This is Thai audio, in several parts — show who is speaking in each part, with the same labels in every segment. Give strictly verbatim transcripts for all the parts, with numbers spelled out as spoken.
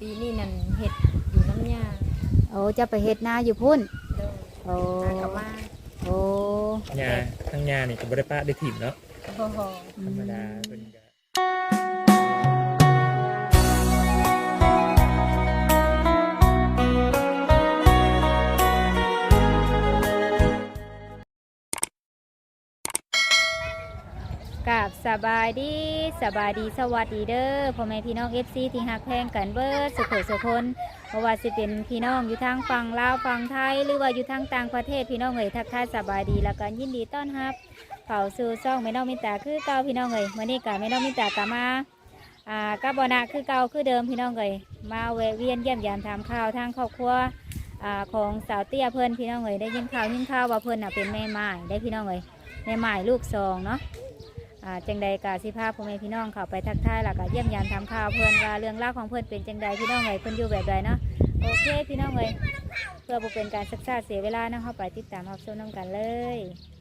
Speaker 1: ปีนี้นั่นเฮ็ดอยู่น้ำยา
Speaker 2: โอ้จะไปเฮ็ดนาอยู่พุ่น
Speaker 1: โดย
Speaker 2: โอ้
Speaker 1: กลับมา
Speaker 2: โอ้
Speaker 3: หญ้าทั้งหญ้านี่ก็บ่ได้ปะได้ถิ่มเนาะ
Speaker 1: โอ้โห
Speaker 3: ธรรมดาเพิ่นก็
Speaker 2: กับสบายดีสบายดีสวัสดีเด้อพ่อแม่พี่น้อง เอฟ ซี ที่ฮักแพงกันเบิดสุขสุขคนเพราะว่าสิเป็นพี่น้องอยู่ทางฝั่งลาวฝั่งไทยหรือว่าอยู่ทางต่างประเทศพี่น้องเอ๋ยทักทายสบายดีแล้วก็ยินดีต้อนรับเข้าสู่ช่องแม่น้องมิตาคือเก่าพี่น้องเอ๋ยมื้อนี้ก็แม่น้องมิตากลับมาอ่ากับบนะคือเก่าคือเดิมพี่น้องเอ๋ยมาแวะเวียนเยี่ยมยามถามข่าวทางครอบครัวอ่าของสาวเตี้ยเพิ่นพี่น้องเอ๋ยได้ยินข่าวยินข่าวว่าเพิ่นน่ะเป็นแม่ไม้ได้พี่น้องเอ๋ยแม่ไม้ลูกสองเนาะอ่าจังใดกาสิภาพพ่อแม่พี่น้องเข้าไปทักทายแล้วก็เยี่ยมยามทำข่าวเพื่อนว่าเรื่องราวของเพื่อนเป็นจังใดพี่น้องเอ๋ยเพื่อนอยู่แบบใดเนาะโอเคพี่น้องเอ๋ยเพื่อบ่เป็นการศึกษาเสียเวลาเนาะเข้าไปติดตามรับชมน้ำกันเลย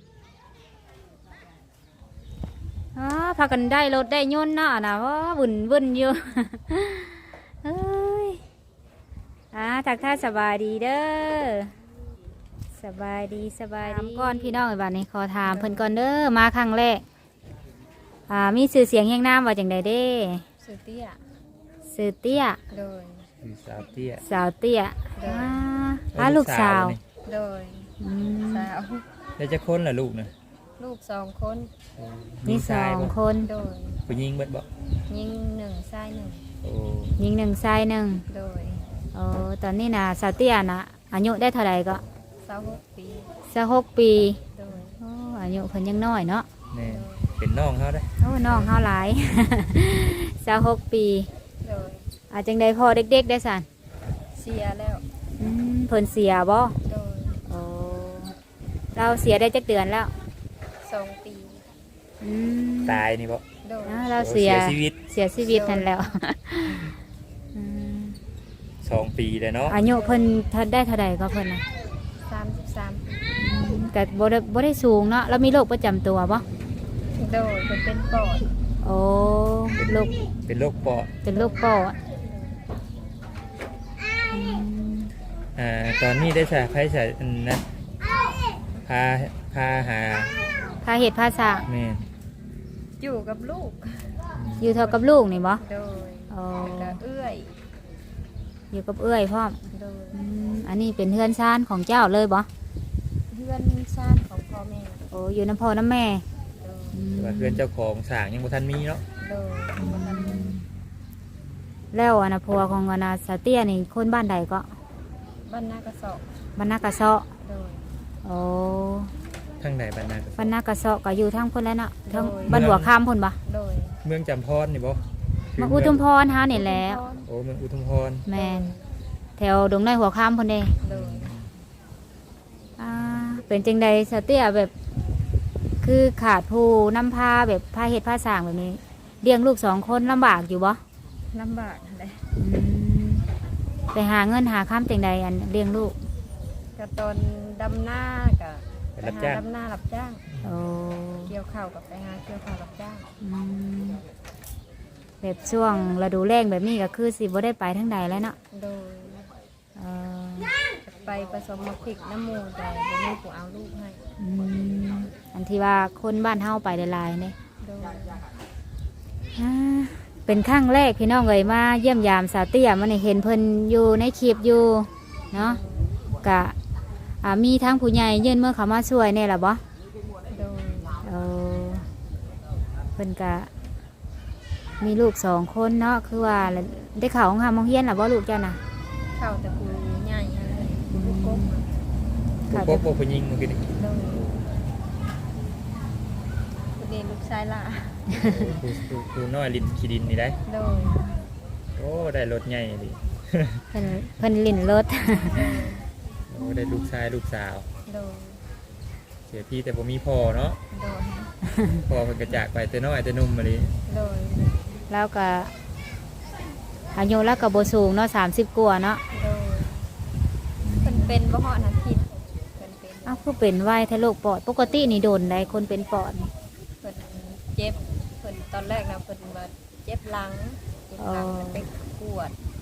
Speaker 2: อ๋อพากันได้รถได้ยนต์เนาะนะว่าวุ่นวุ่นอยู่ เฮ้ยอ่าทักทายสบายดีเด้อสบายดีสบายดีก่อนพี่น้องเอ๋ยบัดนี้ขอถามเพิ่นก่อนเด้อมาครั้งแรกอ่ามีสื่อเสียงแห่งน้ำว่าจังใดเด้
Speaker 1: สื่อเตี้ย
Speaker 2: สื่อเตี้ย
Speaker 1: โดย
Speaker 3: สาวเตี้ย
Speaker 2: สาวเตี้ยอ่าอ่าลูกสาว
Speaker 1: โดยสาว
Speaker 3: แล้วจะคนล่ะลูกนะ
Speaker 1: ลูกสองคน
Speaker 2: มีสองคน
Speaker 1: โดย
Speaker 3: ผู้หญิงเบิดบ่
Speaker 1: ยิงหนึ่งชายหนึ่ง
Speaker 3: โอ้
Speaker 2: ยิงหนึ่งชายหนึ่ง
Speaker 1: โดย
Speaker 2: โอ้ตอนนี้นะสาวเตี้ยนะอายุได้เท่าไหร่ก็
Speaker 1: สาวหกปี
Speaker 2: สาวหกปี
Speaker 1: โดย
Speaker 2: โอ้อายุเพิ่นยังน้อยเนาะ
Speaker 3: นี่เป็นน้องเขาได้
Speaker 2: โอ้น้องเขาหลาย สาวหกปี
Speaker 1: โดย
Speaker 2: อาจังใดพอเด็กๆได้สัน
Speaker 1: เสียแล้ว
Speaker 2: อืมเพิ่นเสียบ่
Speaker 1: โดย
Speaker 2: โอ้เราเสียได้จักเดือนแล้ว
Speaker 1: สองปี
Speaker 2: อืม
Speaker 3: ตายนี่บ่
Speaker 1: โดย
Speaker 2: เราเสีย
Speaker 3: ชีวิต
Speaker 2: เสียชีวิตทันแล้ว
Speaker 3: สองปีเลยเนาะ
Speaker 2: อายุเพิ่นได้เท่าใดก็เพิ่นนะ
Speaker 1: สามสิบสาม
Speaker 2: แต่บ่ได้บ่ได้สูงเนาะแล้วมีโรคประจำตัวบ่
Speaker 1: โดยเพิ่นเป็นปอด
Speaker 2: โอ้โรค
Speaker 3: เป็นโรคปอด
Speaker 2: เป็นโรคปอด
Speaker 3: อ่าตอนนี้ได้ใช้ไฟใช้นะพาพาหา
Speaker 2: พาเหตุพาสะ
Speaker 3: แม่
Speaker 1: อยู่กับลูก
Speaker 2: อยู่เท่ากับลูกนี่บ่
Speaker 1: โดย
Speaker 2: อ๋อ
Speaker 1: เอื้อย
Speaker 2: อยู่กับเอื้อยพร้อม
Speaker 1: โดย
Speaker 2: อันนี้เป็นเฮือนซ่านของเจ้าเลยบ่
Speaker 1: เฮือนซ่านของพ่อแม่
Speaker 2: โอ้อยู่น้ำพ่อน้ำแม่
Speaker 3: แต่ว่าเฮือนเจ้าของสร้างยังบ่ทันมีเนาะ
Speaker 1: โดยบ่ทันมี
Speaker 2: แล้วอนาพัวของอนาสเตียนี่คนบ้านใดก็
Speaker 1: บ้านนากระสอบ
Speaker 2: บ้านนากระเซาะ
Speaker 1: โดย
Speaker 2: โอ้
Speaker 3: ทางไหนบ้านนากระเซาะ
Speaker 2: บ้านนากระเซาะก็อยู่ทางพุ่นแล้วเนาะทางบ้านหัวคำพุ่นบ่
Speaker 1: โดย
Speaker 3: เมืองจำพรนี่บ่
Speaker 2: มาอุทุมพรฮะนี่แล้ว
Speaker 3: โอ้เมืองอุทุมพร
Speaker 2: แม่นแถวดงในหัวคำพุ่นเด้
Speaker 1: โดย
Speaker 2: อ่าเป็นจังใดสเตียแบบคือขาดผู้นำพาแบบพาเหตุพาสร้างแบบนี้เลี้ยงลูกสองคนลำบากอยู่บ่
Speaker 1: ลำบากเลย
Speaker 2: ไปหาเงินหาข้ามจังใดอันเลี้ยงลูก
Speaker 1: กับตอนดำหน้ากับไปหาดำหน้ารับจ้าง
Speaker 2: โอ้
Speaker 1: เกี่ยวข้าวกับไปหาเกี่ยวข้าวรับจ้าง
Speaker 2: แบบช่วงฤดูแล้งแบบนี้ก็คือสิบ่ได้ไปทั้งใดแล้วเนาะ
Speaker 1: โดยไปผสมมะพริกน้ำมูแต่บ่มีผู้เอาลูกให้
Speaker 2: อันที่ว่าคนบ้านเฮาไปหลายๆเนี่ยเป็นครั้งแรกพี่น้องเอ๋ยมาเยี่ยมยามสาวเตี้ยมันเห็นเพิ่นอยู่ในคลิปอยู่เนาะกะมีทั้งผู้ใหญ่ยื่นเมื่อเขามาช่วยเนี่ยหรอบ่เออเพิ่นกะมีลูกสองคนเนาะคือว่าได้ข่าวของหามองเฮียนหรอบ่ลูกเจ้าน่ะ
Speaker 1: ข่าวแต่ผู้ใหญ่ลูกกบ
Speaker 3: ลูกกบบ่ผู้หญิงเมื่อกี้นี่
Speaker 1: เด็กลูกชายล่ะ
Speaker 3: ผู้ผู้น้อยลิ้นขี้ดินนี่ได้
Speaker 1: โดย
Speaker 3: โอ้ได้รถใหญ่ดิ
Speaker 2: เพิ่นเพิ่นลิ้นรถ
Speaker 3: โอ้ได้ลูกชายลูกสาว
Speaker 1: โดย
Speaker 3: เสียพี่แต่บ่มีพ่อเนาะ
Speaker 1: โดย
Speaker 3: พ่อเพิ่นก็จากไปแต่น้อยแต่นุ่มมาดิ
Speaker 1: โดย
Speaker 2: แล้วก็อายุแล้วก็บ่สูงเนาะสามสิบกว่าเนาะ
Speaker 1: โดยเพิ่นเป็นบ่ฮอดนั้นผิด
Speaker 2: เพิ่นเป็นอ้าวคือเป็นไวทะลุปอดปกตินี่โดนได้คนเป็นปอด
Speaker 1: เพิ่นเจ็บเพิ่นตอนแรกนะเพิ่นว่าเจ็บหลังเจ็บหลังไปกวดไปก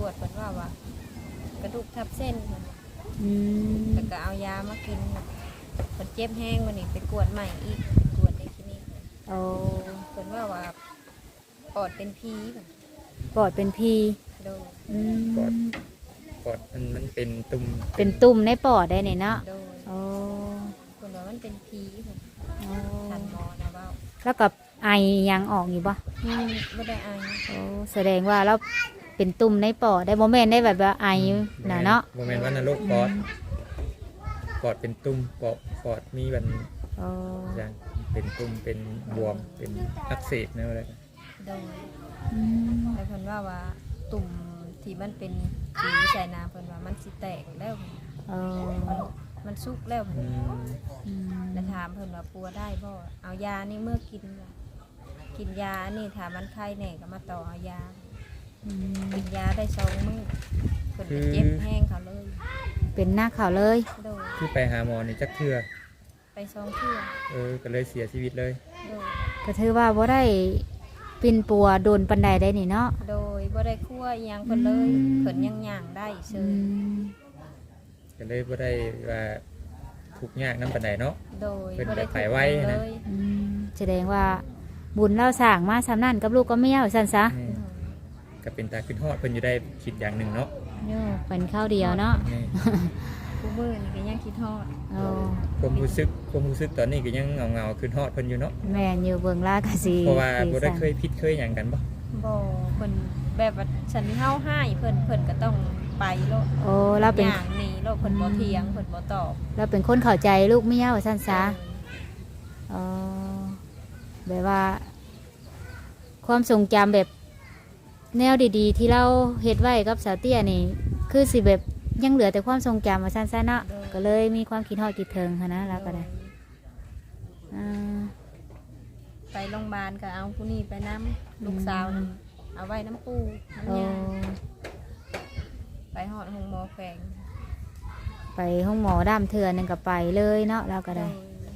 Speaker 1: วดเพิ่นว่าว่ากระดูกทับเส้นเพิ่นว่า
Speaker 2: อืม
Speaker 1: แล้วก็เอายามากินเพิ่นเจ็บแห้งวันนี้ไปกวดใหม่อีกกวดในคลินิก
Speaker 2: โอ้
Speaker 1: เพิ่นว่าว่าปอดเป็นผีเพิ่น
Speaker 2: ปอดเป็นพี
Speaker 1: โดย
Speaker 2: อืม
Speaker 3: ปอดมันมันเป็นตุ่ม
Speaker 2: เป็นตุ่มในปอดได้เนี่ยเนาะ
Speaker 1: โดย
Speaker 2: โอ้
Speaker 1: เพิ่นว่ามันเป็นผีเพิ่น
Speaker 2: โอ้
Speaker 1: ทันหมอนะเว้า
Speaker 2: แล้วกับไอยังออกอยู่ปะ
Speaker 1: อืมบ่ได้อาย
Speaker 2: โอ้แสดงว่าเราเป็นตุ่มในปอดได้โมเมนได้แบบว่าไอนะเนาะ
Speaker 3: โมเมนต์ว่านรกปอดปอดเป็นตุ่มปอดปอดมีบัน
Speaker 2: โอ้
Speaker 3: อย่างเป็นตุ่มเป็นบวมเป็นอักเสบนะอะไร
Speaker 1: โดย
Speaker 2: อืม
Speaker 1: แต่เพิ่นว่าว่าตุ่มที่มันเป็นสีใส่น้ำเพิ่นว่ามันสิแตกแล้ว
Speaker 2: โอ้
Speaker 1: มันมันสุกแล้วเพิ่น
Speaker 3: อืม
Speaker 2: อืม
Speaker 1: แล้วถามเพิ่นว่าปัวได้บ่เอายานี่เมื่อกินว่ะกินยานี่ถ้ามันไข้แน่ก็มาต่อเอายา
Speaker 2: อืม
Speaker 1: กินยาได้สองมื้อเพิ่นก็เจ็บแห้งเขาเลย
Speaker 2: เป็นหน้าข่าวเลย
Speaker 1: โดย
Speaker 3: คือไปหาหมอนี่จักเทื่อ
Speaker 1: ไปสองเทื่อ
Speaker 3: เออก็เลยเสียชีวิตเลย
Speaker 1: โดย
Speaker 2: ก็ถือว่าบ่ได้ปินปัวโดนปันใดได้นี่เนาะ
Speaker 1: โดยบ่ได้คั่วอิหยังเพิ่นเลยเพิ่นยังย่างได้เฉ
Speaker 2: อื
Speaker 1: ย
Speaker 2: ม
Speaker 3: ก็เลยบ่ได้ว่าทุกข์ยากน้ำปานใดเนาะ
Speaker 1: โดย
Speaker 3: เพิ่น
Speaker 1: บ่ได้
Speaker 3: ไปไว้นะ
Speaker 1: เลย
Speaker 2: อืมแสดงว่าบุญเราสร้างมาสำนั่นกับลูกก็ไม่เอาสั่นซะ
Speaker 3: นี่ก็เป็นตาขึ้นฮอดเพิ่นอยู่ได้คิดอย่างหนึ่งเนาะ
Speaker 2: โย่เป็นข้าวเดียวเนาะ
Speaker 3: นี่
Speaker 1: กูมื้อนี่ก็ยังคิดฮอด
Speaker 2: โอ้
Speaker 3: ความรู้สึกความรู้สึกตอนนี้ก็ยังเงาๆขึ้นฮอดเพิ่นอยู่เนาะ
Speaker 2: แม่นอยู่เบิ่งลากะสี
Speaker 3: เพราะว่าบ่ได้
Speaker 2: สีสัน
Speaker 3: เคยผิดเคยหยังกันบ่
Speaker 1: บ่เพิ่นแบบว่าฉันเฮาให้เพิ่นเพิ่นก็ต้องไปโลด
Speaker 2: โอ้เราเป็น
Speaker 1: อย่างนี้โลดเพิ่นบ่เถียงเพิ่นบ่ตอบ
Speaker 2: เราเป็นคนเข้าใจลูกไม่เอาสั่นซะอ๋อแบบว่า ความทรงจำแบบแนวดีๆ ที่เราเฮ็ดไว้กับสาวเตี้ยนี่ คือสิแบบยังเหลือแต่ความทรงจำมาสั้นๆเนาะก็เลยมีความคิดฮอดคิดถึงหั้นนะแล้วก็ได้อ่า
Speaker 1: ไปโรงพยาบาลก็เอาผู้นี้ไปน้ำลูกสาวนํเอาไว้น้ำปูน้ำ
Speaker 2: โอ้
Speaker 1: ยาไปฮอดห้องหมอแฝง
Speaker 2: ไปห้องหมอด้ามเถื่อนนึงก็ไปเลยเนาะแล้วก็ได้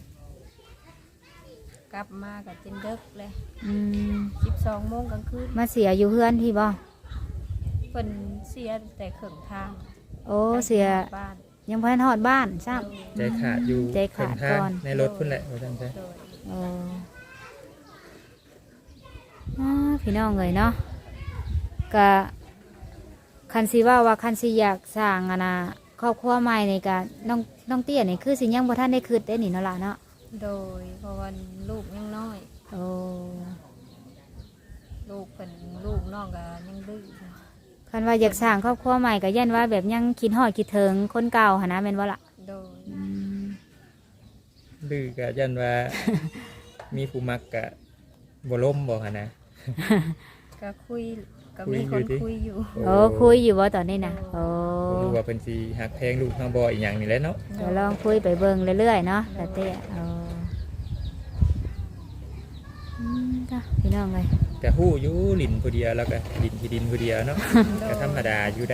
Speaker 1: กลับมาก็จนดึกเลย
Speaker 2: อืม
Speaker 1: สิบสองโมงกลางคืน
Speaker 2: มาเสียอยู่เพื่อนที่บ่
Speaker 1: เพิ่นเสียแต่ครึ่งทาง
Speaker 2: โอ้เสีย
Speaker 1: บ้าน
Speaker 2: ยังพันฮอดบ้านซ้
Speaker 3: ใจขาดอยู่
Speaker 2: ใจขาด
Speaker 3: เพิ่ทง
Speaker 2: ก่อน
Speaker 3: ในรถพุ่นแหละว่าซั่นซะ
Speaker 1: โดย
Speaker 2: ำโอ้อ่าพี่น้องเลยเนาะก็คันสิว่าว่าคันสิอยากสร้างอะนะครอบครัวใหม่ในการน้องน้องเตี้ยนี่คือสิยังบ่ทันได้คิดได้นี่เนาะล่ะเนาะ
Speaker 1: โดยเพราะว่าลูกยังน้อย
Speaker 2: โอ้
Speaker 1: ลูกเป็นลูกน้องก็ยังดื้อ
Speaker 2: คันว่าอยากสร้างครอบครัวใหม่ก็ยันว่าแบบยังคิดฮอดคิดถึงคนเก่าหั่นนะแม่นบ่ล่ะ
Speaker 1: โดย
Speaker 2: อืม
Speaker 3: ดื้อก็ยันว่า มีผู้มักก็บ่ล้มบ่หั่นนะ
Speaker 1: ก็คุยก็
Speaker 3: คุย
Speaker 1: มีคน
Speaker 3: อยู่ดิ
Speaker 1: คุยอยู่
Speaker 2: โอ้คุยอยู่บ่ตอนนี้นะโอ้
Speaker 3: บ่รู้ว่าเพิ่นสิฮักแพงลูกเฮาบ่อีหยังนี่แหละเนาะ
Speaker 2: เดี๋ยวลองคุยไปเบิ่งเรื่อยๆเนาะแต่เตี้ยโอ้อืมจ้ะพี่น้องเลย
Speaker 3: ก็ฮู้อยู่ลิ้นผู้เดียวแล้วก็ดินที่ดินผู้เดียวเนาะ ก็ธรรมดาอยู่ได้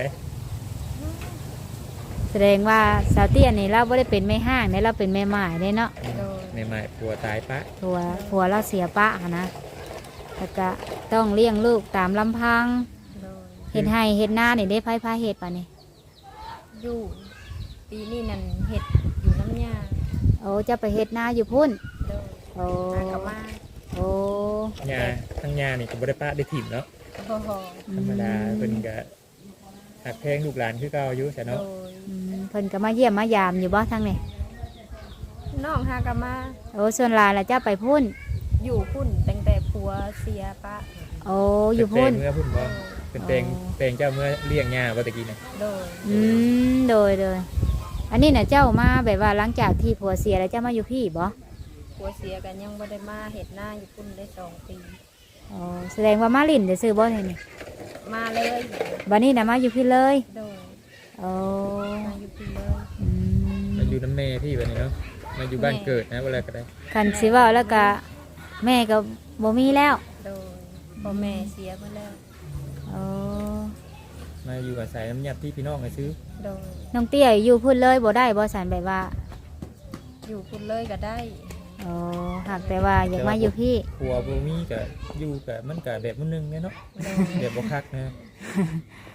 Speaker 2: แสดงว่าสาวเตี้ยนี่เราไม่ได้เป็นแม่ห้างเนี่ยเราเป็นแม่หมายเนี่ยเนาะ
Speaker 1: โดย
Speaker 3: ใหม่ๆผัวตายปะ
Speaker 2: ผัวผัวเราเสียปะหั้นนะแล้วก็ต้องเลี้ยงลูกตามลำพัง
Speaker 1: โดย
Speaker 2: เห็ดให้เห็ดหน้านี่ได้ไพ่พาเห็ดป่ะนี่
Speaker 1: อยู่ปีนี้นั่นเห็ดอยู่น้ำยา
Speaker 2: โอ้จะไปเห็ดหน้าอยู่พุ่น
Speaker 1: โดย
Speaker 2: โอ้
Speaker 1: มากลับมา
Speaker 2: โอ้
Speaker 3: หญ้าทั้งหญ้านี่ก็บ่ได้ปะได้ถิ่มเนาะ
Speaker 1: โอ้โห
Speaker 3: ธรรมดาเพิ่นก็ฮักแพงลูกหลานคือเก่าอยู่ซะ
Speaker 1: โด
Speaker 3: เนาะ
Speaker 1: ย
Speaker 2: อืมเพิ่นก็มาเยี่ยมมายามอยู่บ่ทั้งนี่
Speaker 1: น้องฮากลับมา
Speaker 2: โอ้ส่วนหลายแล้วจะไปพุ่น
Speaker 1: อยู่พุ่นตั้งแต่ผัวเสียปะ
Speaker 2: โอ้อยู่พุ่น
Speaker 3: เพิ่นเมื่อพุ่นบ่เพิ่นแปลงแปลงเจ้าเมื่อเลี้ยงหญ้าบ่ตะกี้น่ะ
Speaker 1: โดย
Speaker 2: อืมโดยโดยอันนี้น่ะเจ้ามาแบบว่าหลังจากที่ผัวเสียแล้วเจ้ามาอยู่พี่บ่
Speaker 1: ผัวเสียกันยังบ่ได้มาเห็ดหน้าอยู่พุ่นได้สองปี
Speaker 2: อ๋อแสดงว่ามาลินได้ซื้อบ่เนี่ยนี่
Speaker 1: มาเลย
Speaker 2: บัดนี้น่ะมาอยู่พี่เลย
Speaker 1: โดย
Speaker 2: โอ้
Speaker 1: มาอยู่พุ่นเลย
Speaker 2: อืม
Speaker 3: มาอยู่น้ำแม่พี่บัดนี้เนาะมาอยู่บ้านเกิดนะเวลาก็ได้
Speaker 2: คันสิเว่าแล้วก็แม่ก็บ่มีแล้ว
Speaker 1: โดยพ่อแม่เสียไปแล้ว
Speaker 2: โอ้
Speaker 3: มาอยู่อาศัยน้ำยัดที่พี่น้องให้ซื้อ
Speaker 1: โดย
Speaker 2: น้องเตี้ยอยู่พุ่นเลยบ่ได้บ่สันแบบว่า
Speaker 1: อยู่พุ่นเลยก็ได้
Speaker 2: โอ้หากแต่ว่าอยากมาอยู่พี่
Speaker 3: ผัวบ่มีก็อยู่ก็มันก็แบบมื้อนึงแน่เนาะ
Speaker 1: โดย
Speaker 3: แบบบ่คักนะ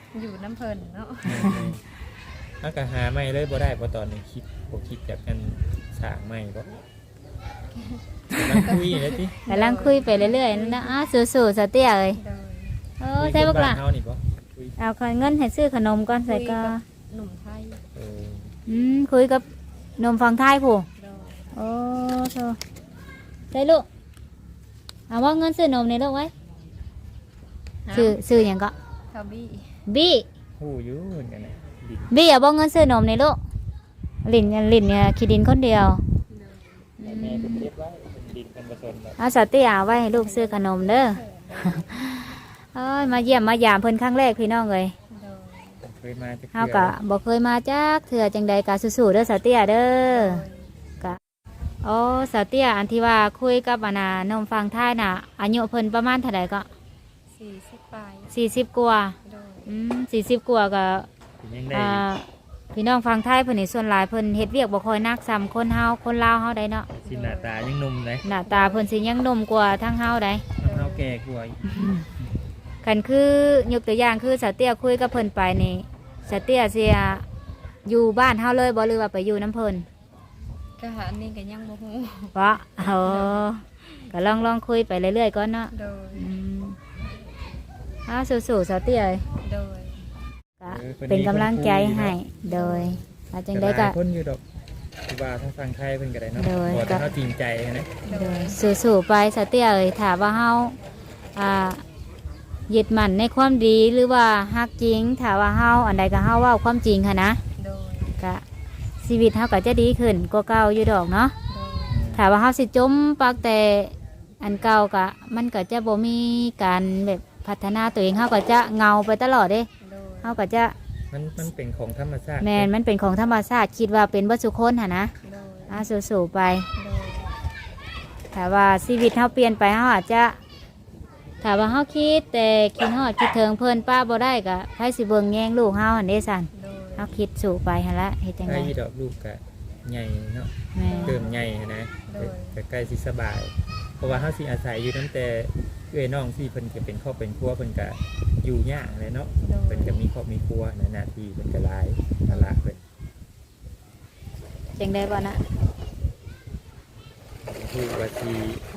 Speaker 1: อยู่น้ำเพิ่นเนาะ
Speaker 3: ถ้าก็หาไม่เลยบ่ได้บ่ตอนนี้คิดบ่คิดจากกันสร้างไม่บ่กำลังคุยเลยติ
Speaker 2: กำลังคุยไปเรื่อยๆนะอ้าสู้ๆสเตียเอ้ย
Speaker 1: โดย
Speaker 2: เออใช่ปะล่ะ
Speaker 3: เฮานี่บ่คุย
Speaker 2: เอาเงินให้ซื้อขนมก่อนใส่ก็
Speaker 1: หนุ่มไทย
Speaker 3: เออ
Speaker 2: อืมคุยกับนมฟังไทยผู้
Speaker 1: โดย
Speaker 2: โอ้โธ่ใช่ลูกเอาว่าเงินซื้อนมในลูกไว้ซื้อซื้อหยังก็
Speaker 1: ทอบี้
Speaker 2: บี้
Speaker 3: ฮู้อยู่เหมือนกันน่ะดิ
Speaker 2: บี้เอาบ่เงินซื้อนมในลูกลินลินเนี่ยขี้ดินคนเดียว
Speaker 3: แต่แม่เพิ่นเก็บไว้เป็นดินเป็นผสมแบบ
Speaker 2: เอาสติเอาไว้ให้ลูกซื้อขนมเด้อ เอ้ยมาเยี่ยมมายามเพิ่นครั้งแรกพี่น้องเลย
Speaker 1: โดย
Speaker 3: เคยมาจัก
Speaker 2: เฮา
Speaker 3: เทื่
Speaker 2: ก็
Speaker 3: อ
Speaker 2: บ่เคยมาจักเถื่อจังใดก็สู้ๆเด้อสติเด้อ
Speaker 1: โดย
Speaker 2: ก็โอ้สติอันที่ว่าคุยกับอานาน้องฟังท้ายน่ะอายุเพิ่นประมาณเท่าใดก็
Speaker 1: สี่สิบปลาย
Speaker 2: สี่สิบกว่า
Speaker 1: โดย
Speaker 2: อืมสี่สิบกว่าก็
Speaker 3: เป็นยังได้
Speaker 2: อ่าพี่น้องฟังไทยเพิ่นนี่ส่วนหลายเพิ่นเฮ็ดเวียกบ่ค่อยนักซ้ำคนเฮาคนลาวเฮาได้เนาะ
Speaker 3: สิหน้าตายังหนุ่มเลย
Speaker 2: หน้าตาเพิ่นสิยังหนุ่มกว่าทั้งเฮาได้
Speaker 3: เฮาแก่กว่าอีก
Speaker 2: คันคือยกตัวอย่างคือสาวเตี้ยคุยกับเพิ่นไปนี่สาวเตี้ยเสียอยู่บ้านเฮาเลยบ่หรือว่าไปอยู่น้ำเพิ่น
Speaker 1: ก็หาอันนี้ก็ยังบ่ฮู้
Speaker 2: เพราะเออก็ลองลองคุยไปเรื่อยๆก่อนเนาะ
Speaker 1: โดย
Speaker 2: อืมอ้าวสู้ๆสาวเตี้ยเอ้ย
Speaker 1: โดย
Speaker 2: ก็เป็นกำลังใจให้โดยว่าจังได๋ก็
Speaker 3: หลายคนอยู่ดอกคือว่าทางฝั่งไทยเพิ่นก็ได้เนาะ
Speaker 2: โดย
Speaker 3: บ่แต่เฮาจริงใจนะ
Speaker 1: โด
Speaker 2: โด
Speaker 1: ย
Speaker 2: ยสู้ๆไปสาวเตี้ยเอ้ยถ้าว่าเฮาอ่ายึดมั่นในความดีหรือว่าฮักจริงถ้าว่าเฮาอันใดก็เฮาเว้าความจริงค่ะนะ
Speaker 1: โดย
Speaker 2: ก็ชีวิตเฮาก็จะดีขึ้นกว่าเก่าอยู่ดอกเนาะ
Speaker 1: โดย
Speaker 2: ถ้าว่าเฮาสิจมปักแต่อันเก่าก็มันก็จะบ่มีการแบบพัฒนาตัวเองเฮาก็จะเงาไปตลอดเด้
Speaker 1: โดย
Speaker 2: เฮาก็จะ
Speaker 3: มันมันเป็นของธรรมชาติ
Speaker 2: แม่นมันเป็นของธรรมชาติคิดว่าเป็นเบ่สุคนหั่นนะ
Speaker 1: โดย
Speaker 2: อ่าสู้ๆไป
Speaker 1: โดย
Speaker 2: ถ้าว่าชีวิตเฮาเปลี่ยนไปเฮาอาจจะถ้าว่าเฮาคิดแต่คิดฮอดคิดถึงเพิ่นป้าบ่ได้ก็ไผสิเบิ่งแยงลูกเฮาหั่นเด้ซั่น
Speaker 1: โดย
Speaker 2: เฮาคิดสู่ไปหั่นละเฮ็ดจัง
Speaker 3: ไอ้
Speaker 2: ได๋
Speaker 3: ดอกลูกก็ใหญ่เนาะ
Speaker 2: แม่
Speaker 3: เติมใหญ่นะก็ใกล้สิสบาย เพราะว่าเฮาสิอาศัยอยู่ตั้งแต่เอ้ยน้องที่เพิ่นก็เป็นครอบเป็นครัวเพิ่นก็อยู่ยากเลยเนาะ
Speaker 1: โดย
Speaker 3: เพิ่นก็มีครอบมีครัวนะหน้าที่เพิ่นก็หลายภาระเพิ่น
Speaker 2: จังได๋บ่นะ
Speaker 3: คือว่าสิ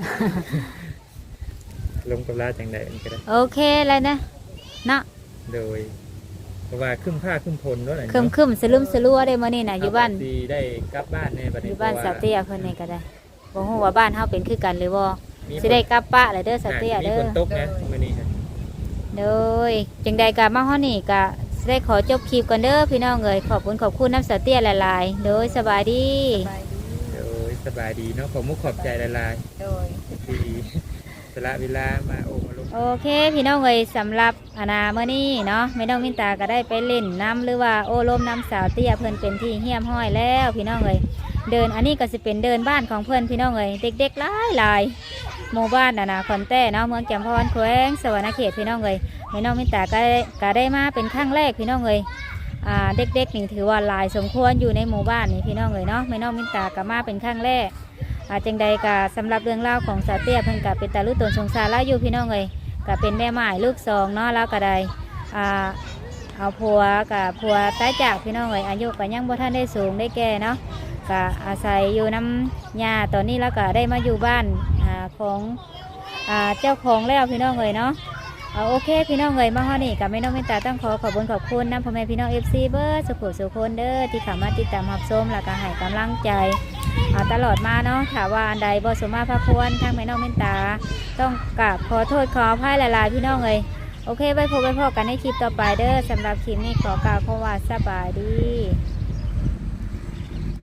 Speaker 3: ลงกับลาจังได๋อันก็ได้
Speaker 2: โอเคแล้วนะเนาะ
Speaker 3: โดย เพราะว่าครึ้มผ้าครึ้มพลเนาะ
Speaker 2: คึมคึมๆสลึมสลัวได้มื้อนี้น่ะอยู่บ้าน
Speaker 3: สิได้กลับบ้านแน่บัด
Speaker 2: อ
Speaker 3: นี้
Speaker 2: ยู่บ้าน
Speaker 3: พระ
Speaker 2: สาวเตี้ยเพิ่นนี่ก็ได้บ่ฮู้ว่าบ้านเฮาเป็นคือกันหรือบ่
Speaker 3: มี
Speaker 2: สิได้กลับปะเลยเด้อสาวเตี้ย
Speaker 3: มี
Speaker 2: เด้
Speaker 3: ฝ
Speaker 2: อน
Speaker 3: ตกนะมื้อนี้ครับ
Speaker 2: โดยจังใดก็มาฮอดนี่ก็สิได้ขอจบคลิปก่อนเด้อพี่น้องเอ้ยขอบคุณขอบคุณน้ำสาวเตี้ยหลายๆโดยสบายดี
Speaker 1: สบายดี
Speaker 3: โดยสบายดีเนาะขอมุกขอบใจหลาย
Speaker 1: โดย
Speaker 3: ๆที่สละเวลามาโอมาลง
Speaker 2: โอเคพี่น้องเอ้ยสำหรับอาณาเมื่อนี้เนาะไม่ต้องมินตาก็ได้ไปเล่นน้ำหรือว่าโอ้ลมน้ำสาวเตี้ยเพื่อนเป็นที่เฮี้ยมห้อยแล้วพี่น้องเอ้ยเดินอันนี้ก็สิเป็นเดินบ้านของเพื่อนพี่น้องเอ้ยเด็กๆหลายหลายหมู่บ้านอาณาคอนแต้เนาะเมืองแจ่มพรแขวงสวรรณเขตพี่น้องเอ้ยไม่น้องมินตาก็ได้ก็ได้มาเป็นครั้งแรกพี่น้องเอ้ยอ่าเด็กๆนี่ถือว่าหลายสมควรอยู่ในหมู่บ้านนี่พี่น้องเอ้ยเนาะไม่น้องมินตาก็มาเป็นครั้งแรก อาจังใดกะสำหรับเรื่องเล่าวของสาวเตี้ยเพิ่นกะเป็นตาลุตนสงสารแล้วอยู่พี่น้องเลยกะเป็นแม่หมายลูกสองเนาะแล้วก็ได้อ่าเอาผัวกับผัวตายจากพี่น้องเลยอายุก็ยังบ่ทันได้สูงได้แก่เนาะกะอาศัยอยู่น้ำยาตอนนี้แล้วก็ได้มาอยู่บ้านอ่าของอ่าเจ้าของแล้วพี่น้องเลยเนาะเอาโอเคพี่น้องเลยมาฮอดนี่กับแม่น้องเมตตาต้องขอขอบคุณขอบคุณนะพ่อแม่พี่น้องเอฟซีเบอร์สุขุสุคนเด้อที่เข้ามาติดตามรับชมแล้วก็ให้กำลังใจเอาตลอดมาเนาะถ้าว่าอันใดบ่สมมาพระควรทางแม่น้องเมตตาต้องกราบขอโทษขออภัยหลายๆพี่น้องเลยโอเคไว้พบไว้พบกันในคลิปต่อไปเด้อสำหรับคลิปนี้ขอกล่าวคำว่าสบายดี